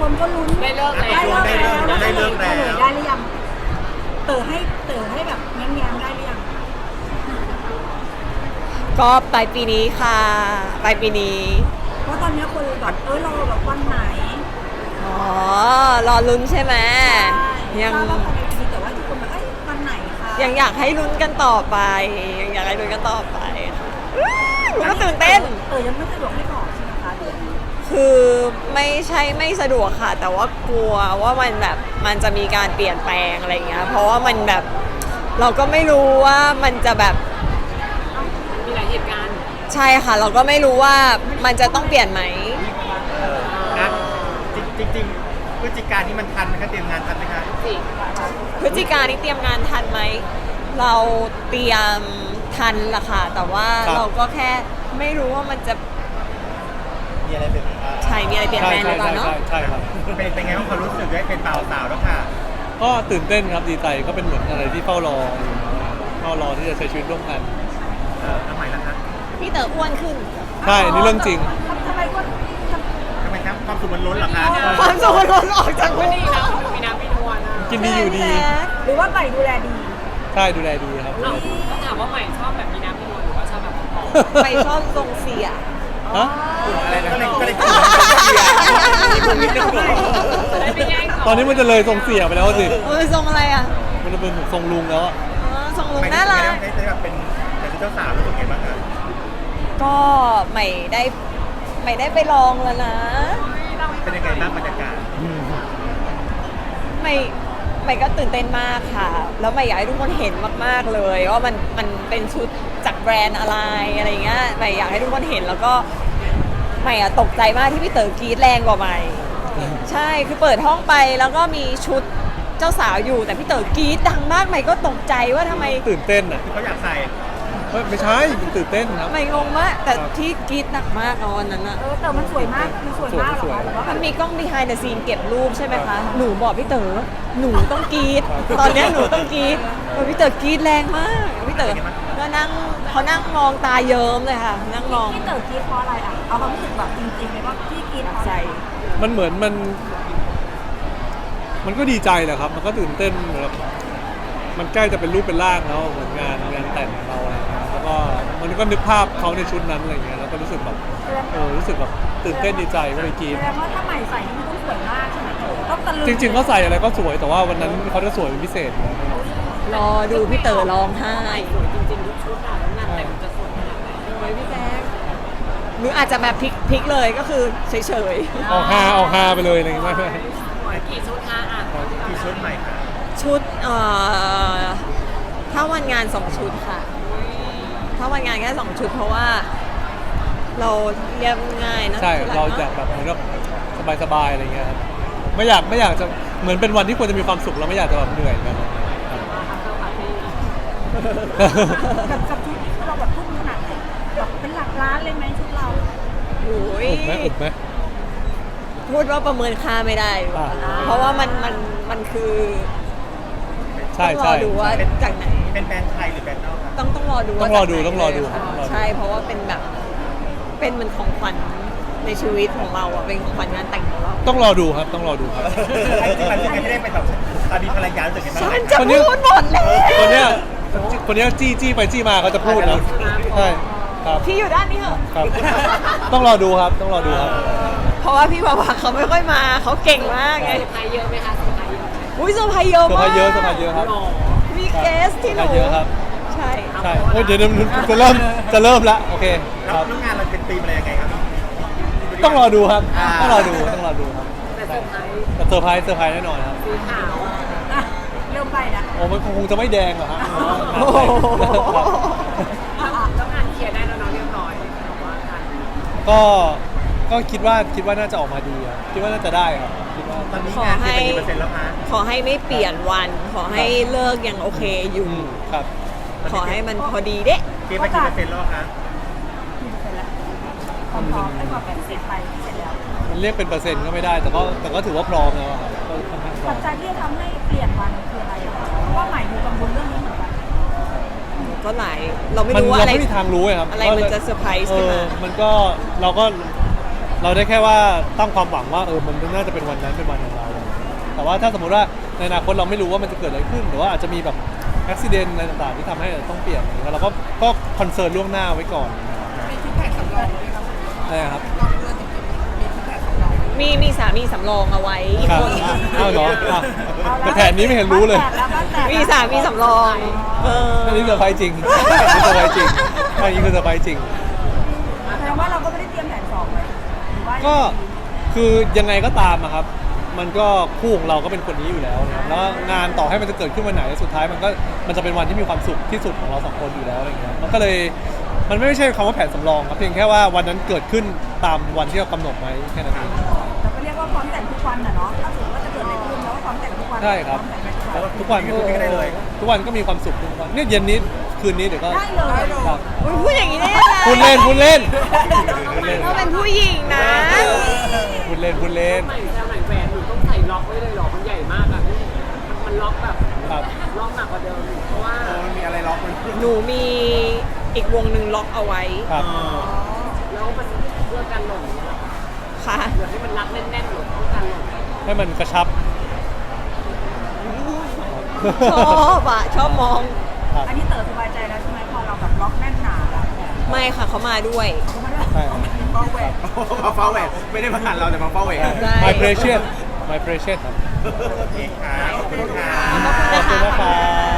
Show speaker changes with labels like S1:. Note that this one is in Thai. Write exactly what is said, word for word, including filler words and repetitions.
S1: คนก็ลุ้น
S2: ได้เลิกแล้ว
S1: ได้เลิกแล้ว
S3: ได้เลิกแล้ว
S1: ฉยได้หรือยังเต๋อให้เต๋อให้แบบแง้มๆได้หรือยัง
S4: ก็ปลายปีนี้ค่ะปลายปีนี้
S1: เพราะตอนนี้คนแบบเออรอแบบวันไหน
S4: อ๋อรอลุ้นใช่ไหมยัง
S1: ทราบว่าภายในปีนี้แต่ว่าทุกคนแบบเอ้ยวันไหนคะ
S4: ยังอยากให้ลุ้นกันต่อไป ยังอยากให้ลุ้นกันต่อไปค่ะอุ๊ยก็ตื่นเต้น
S1: เต๋อยังไม่สะดวกให้บอกใช่ไหมคะเดี๋ยวนี้
S4: คือไม่ใช่ไม่สะดวกค่ะ แต่ว่ากลัวว่ามันแบบมันจะมีการเปลี่ยนแปลงอะไรอย่างเงี้ยเพราะว่ามันแบบเราก็ไม่รู้ว่ามันจะแบบ
S2: มีหลายเหตุการณ์
S4: ใช่ค่ะ เราก็ไม่รู้ว่ามันจะต้องเปลี่ยนไหม
S3: นะจริงจริงๆพฤศจิกายนนี่มันทันไหมคะเตรียมงานทันไหมคะ
S2: สิ
S4: พฤศจิกายนนี่เตรียมงานทันไหมเราเตรียมทันละค่ะแต่ว่าเราก็แค่ไม่รู้ว่ามันจะ
S3: มีอะไรเป็น
S4: ใช่มีอะไรเปลี่ยนแปลงหรือเปล่าเนาะ
S5: ใช่ครับ
S3: เป็นเป็นไงบ้างความรู้สึกได้เป็นบ่าวสาวแล้วค่ะ
S5: ก็ตื่นเต้นครับดีใจก็เป็นเหมือนอะไรที่เฝ้ารออยู่เฝ้ารอที่จะใช้ชีวิตร่วมกัน
S3: เออทำไมล่ะคะ
S4: พี่เต๋ออ้วนขึ้น
S5: ใช่นี่เรื่องจริง
S1: ทำไมก็
S3: ทำไมครับความสุขมันล้นเหรอคะ
S4: ความสุขมันล้นออกจาก
S2: วั
S4: วัน น
S2: นี้
S4: นี้
S2: นะมีน้ำมีนวลนะ
S5: กินดีอยู่ดี
S1: หรือว่าใหม่ดูแลดี
S5: ใช่ดูแลดีครับ
S2: เอ้าต้องถามว่าใหม่ชอบแบบมีน้ำมีนวลหรือว่าชอบแบบผอม
S4: ไปชอบทรงเสีย
S5: ฮะ
S3: อะไรนะก็เลยก็เลยกินมีพวกนี้จะกลัว
S2: ๆจะได้ไม่แย่ง
S5: ตอนนี้มันจะเลยทรงเสียไปแล้วสิ
S4: เออทรงอะไรอ่ะ
S5: มันจะเป็นทรงลุงแล้วอะ
S4: เออทรงลุงน่ารัก
S3: ได้ได้แบบเป็นแต่เจ้าสาวรู้สึกไงบ้างคะ
S4: ก็ใหม่ได้ใหม่ได้ไปลองแล้วนะ
S3: เป็นยังไงบ้างบรรยากาศ
S4: ใหม่ใหม่ก็ตื่นเต้นมากค่ะ แล้วใหม่อยากให้ทุกคนเห็นมากๆเลยว่ามันมันเป็นชุดจากแบรนด์อะไรอะไรเงี้ยใหม่อยากให้ทุกคนเห็นแล้วก็ใหม่อะตกใจมากที่พี่เต๋อกรี๊ดแรงกว่าใหม่ ใช่คือเปิดห้องไปแล้วก็มีชุดเจ้าสาวอยู่แต่พี่เต๋อกรี๊ดดังมากใหม่ก็ตกใจว่าทำไม
S5: ตื่นเต้นอ่ะ
S3: คือเขาอยากใส่
S5: เฮ้ยไม่ใช่มันตื่นเต้นครับ
S4: ใหม่งงมากแต่ที่กรี๊ดหนักมากเอาวันนั้นอะ
S1: เออแต่มันสวยมากมันสวยมากเหรอคะหรือว่าแบ
S4: มั
S1: บ
S4: นมีกล้อง behind the scene เก็บรูปใช่ไหมคะ หนูบอกพี่เต๋อ หนูต้องกรี๊ด ตอนเนี้ยหนูต้องกรี๊ดเออพี่เต๋อกรี๊ดแรงมาก พี่เต๋อก็นั่งเขานั่งมองตาเยิ้มเลยค่ะ นั่งมอง
S1: ที่เต๋อกรีดเพราะอะไรอ่ะเอาความรู้สึกแบบจริงๆเลยว่าที่กรีดเพราะอะไร
S4: ใจ
S5: มันเหมือนมัน มันก็ดีใจแหละครับ มันก็ตื่นเต้นแบบมันใกล้จะเป็นรูปเป็นร่างแล้วเหมือนงานงานแต่งของเราอะไรเงี้ยแล้วก็มันก็นึกภาพเขาในชุดนั้นอะไรเงี้ยแล้วก็รู้สึกแบบเออรู้สึกแบบตื่นเต้นดีใจก็เลยกรี๊ด
S1: แสดงว่าถ้าใหม่ใส่นี่มันต้องสวยมากใช่ไหมเต๋อต้องตะลึง
S5: จริงๆเขาใส่อะไรก็สวยแต่ว่าวันนั้นเขาจะสวยเป็นพิเศษอยู่แล้ว
S4: รอดูพี่เต๋อร้องไห้
S2: สวยจริงๆทุกชุดอ่ะแล้วงานแต่งจะสวยขนาดไหน
S4: โอ้ยพี่แจ๊คหรืออาจจะแบบพลิกพลิกเลยก็คือเฉย
S5: ออกฮาออกฮาไปเลยอะไรอย่างเงี้ยไม่ไม่
S2: สวยกี่ชุดคะอ่ะ
S3: กี่ชุดใหม่ค่ะ
S4: ๆ ชุดเอ่อถ้าวันงานสองชุดค่ะ ถ้าวันงานแค่สองชุดเพราะว่า เราเรียบง่ายนะ
S5: ใช่
S4: ที่
S5: เรา
S4: น
S5: จะแบบเหมือนกับสบายๆอะไรเงี้ยครับไม่อยากไม่อยากจะเหมือนเป็นวันที่ควรจะมีความสุขแล้วไม่อยากจะแบบเหนื่อยกัน
S1: กับกับชุดที่เราแบบทุ่มขนาดไหนแบบเป็นหลักล้านเลยไหมชุดเรา
S4: โอ้ย
S5: อุบไหมอุบไหม
S4: พูดว่าประเมินค่าไม่ได้ดีกว่า
S5: อ่า
S4: เพราะว่ามันมันมันคือ
S5: ใช่
S4: ต้องร
S5: ใช่
S4: อดูว่าจากไหน
S3: เป็นแบรนด์ไทยหรือแบรนด์นอกครับ
S4: ต้องต้องรอดู
S5: ต้
S4: ว่า
S5: องรอดู
S4: จากไหน
S5: ต้องรอดู
S4: เลยค่ะ
S5: ต้องรอดู
S4: ใช่เพราะว่าเป็นแบบเป็นเหมือนของขวัญในชีวิตของเราอ่ะเป็นของขวัญงานแต่งของเรา
S5: ต้องรอดูครับต้องรอดูครับ
S3: ไอ้ที่มันเป็นไม่ได้เป็นแบบตอนนี้ภรรยารู้สึกยังไงบ้าง
S4: ฉันจะ
S5: คนนี้
S4: พูดหมดแล้ว
S5: คนเนี้ยคนเนี้ยจี้จี้ไปจี้มาเขาจะพูดนะใช่ครับ
S4: พี่อยู่ด้านนี้เหรอ
S5: ครับ ต้องรอดูครับต้องรอดูครับ
S4: เพราะว่าพี่บาวาเขาไม่ค่อยมาเขาเก่งมากไง
S2: เซอร์ไพรส์เยอะไหมคะเซอร์ไพรส์เยอะไหม
S4: อุ้ยเซอร์ไพรส์เยอะ
S5: เซอร์
S4: มา
S5: ไพร
S4: ก
S5: ส์เยอะเซอร์ไพรส์เยอะครับ
S2: หล่อ
S4: มีเกสที่หนู
S5: เยอะครับ
S4: ใช่
S5: ใช่เฮ้ยเดี๋ยวเดี๋ยวจะเริ่มจะเริ่มละโอเค
S3: แล้ว
S5: ครับ
S3: แล้วงานเราเป็นธีมอะไรยังไงครับ
S5: ต้องรอดูครับ
S3: อ่า
S5: ต้องรอดูต้องรอดูครับ
S2: แต่เซอร์ไพรส์
S5: แต่เซอร์ไพรส์เซอร์ไพรส์แน่นอนครับ
S2: สีขาว
S1: อ่ะเริ่มไปนะ
S5: โอ้มันคงจะไม่แดงหรอกฮะ
S4: โอ้โห
S2: แล้วแล้วงานเคลียร์ได้แล้วเนาะเรียบร้อยแต่ว่าการ
S5: ก็ก็คิดว่าคิดว่าน่าจะออกมาดีครับคิดว่าน่าจะได้ครับคิดว่า
S3: ตอนนี้งานเป็นกี่เปอร์เซ็นต์แล้วคะ
S4: ขอให้ไม่เปลี่ยนวัน ขอให้เลิกยังโอเคอยู่
S5: อืมครับ
S4: ขอให้มันพอดีเด้
S3: เตรียมไปกี่เปอร์เซ็นต์แล้วคะ
S1: กี่เปอร์เซ็นต์แล้วความพร้อมไอ้ความแบบเสร็จไปเสร็จแล้ว
S5: มันเรียกเป็นเปอร์เซ็นต์ก็ไม่ได้ แต่ก็แต่ก็ถือว่าพร้อมแล้วอะครับก็ค่อนข้างพร้อ
S1: ปั
S5: ม
S1: จจัยที่จะทำให้เปลี่ยนวันคืออะไรอะเพราะว่าใหม่มีกังวลเรื่องนี้เหมือนกัน
S4: ก็หลาย เราไม่
S5: มัน
S4: รู้ว่า
S5: เรา
S4: อะไร
S5: ไม่มีทางรู้ไงครับ
S4: อะไรมันจะเซอร์ไพรส์
S5: เอ
S4: ขึ้น
S5: อ
S4: มา
S5: มันก็เราก็เราได้แค่ว่าตั้งความหวังว่าเออมันน่าจะเป็นวันนั้นเป็นวันของเรา แต่ว่าถ้าสมมติว่าในอนาคตเราไม่รู้ว่ามันจะเกิดอะไรขึ้นหรือว่าอาจจะมีแบบอุบิเหตุอะไรต่างๆที่ทำให้ต้องเปลี่ยนแล้วเราก็ก็คอนเซิร์นล่วงหน้าไว้ก่อน
S2: มีชุดแผนสำรองไหมครับ
S5: ใช่ครับ
S2: รอบเรือจริงๆมีชุดแผนสำรอง
S4: มีมีสามีสำรองเอาไว้อีก
S5: ครับ
S4: คน
S5: อ้าวเหรออ้าว
S1: เอาละ
S5: แต่แผนนี้ไม่เห็นรู้เลย
S1: บ้านแตกแล้วบ้านแตกแล้ว
S4: มีสามีสำรองเออ
S5: อันนี้เซอร์ไพรส์จริงอันนี้เซอร์ไพรส์จริงอันนี้คือเซอร์ไพรส์จริง
S1: แสดงว่าเราก็ไม่ได้เตรียมแผนสองเลยหรือว่า
S5: ก็คือยังไงก็ตามอะครับ มันก็คู่ของเราก็เป็นคนนี้อยู่แล้วนะครับแล้วงานต่อให้มันจะเกิดขึ้นวันไหนสุดท้ายมันก็มันจะเป็นวันที่มีความสุขที่สุดของเราสองคนอยู่แล้วอะไรเงี้ยมันก็เลยมันไม่ใช่คำว่าแผนสำรองครับเพียงแค่ว่าวันนั้นเกิดขึ้นตามวันที่เรากำหนดไว้แค่นั้นเอง
S1: เราก็เรียกว่าพร้อมแต่งทุกวันน่ะเนาะถ้าสมมติว่าจะเกิดอะไรขึ้นเราก็พร้อมแต่งทุกวัน
S5: ใช่ครับ
S1: พอมแต่งทุกวัน
S5: ทุกวัน
S3: ไม่พูดไม่ได้เลย
S5: ทุกวันก็มีความสุขทุกวันเนี่ยเย็นนี้คืนนี้เดี๋ยวก็
S1: ได้เลย
S5: ครับ
S4: อุ๊ยพูดอย่างนี้ได้ยังไง
S5: พูดเล่นพูดเล่นพูดเล่น
S4: เราเป็นผู้หญิงนะ
S5: พูดเล่นพูดเล่น
S2: ใหม่แซวใหม่แหวนหนูต้องใส่ล็อกไว้เลยเหรอมันใหญ่มากอ่ะมันล็อกแบบ
S5: ครับ
S2: ล็อกหนักกว่าเดิมอีกเพราะว่า
S3: เออมันมีอะไรล็อกมัน
S4: หนูมีอีกวงหนึ่งล็อกเอาไว้
S5: ครับ
S3: เออ
S2: แล้วมันเพื่อกันหล่น
S4: ค่ะ
S2: เดี๋ยวให้มันรัดแน่นๆหรือป้องกันหล่น
S5: ให้มันกระชับ
S4: ชอบอ่ะ ชอบมอง
S5: ครับ
S1: อันนี้เต๋อสบายใจแล้วใช่ไหมพอเราแบบล็อกแน่นหนาแล้ว
S4: ไม่ค่ะเขามาด้วย
S1: เขาไม่ได้
S5: ใช่ครับ
S1: ป้องแหวน
S3: มาเฝ้าแหวนไม่ได้มาหันเราแต่มาเฝ้าแหวน
S4: ใช่
S5: My precious My precious ครับ
S3: โอเคค่ะขอบคุณค่ะ
S4: ขอบคุณ
S5: ขอบคุณ
S4: นะ
S5: นะคะ คะ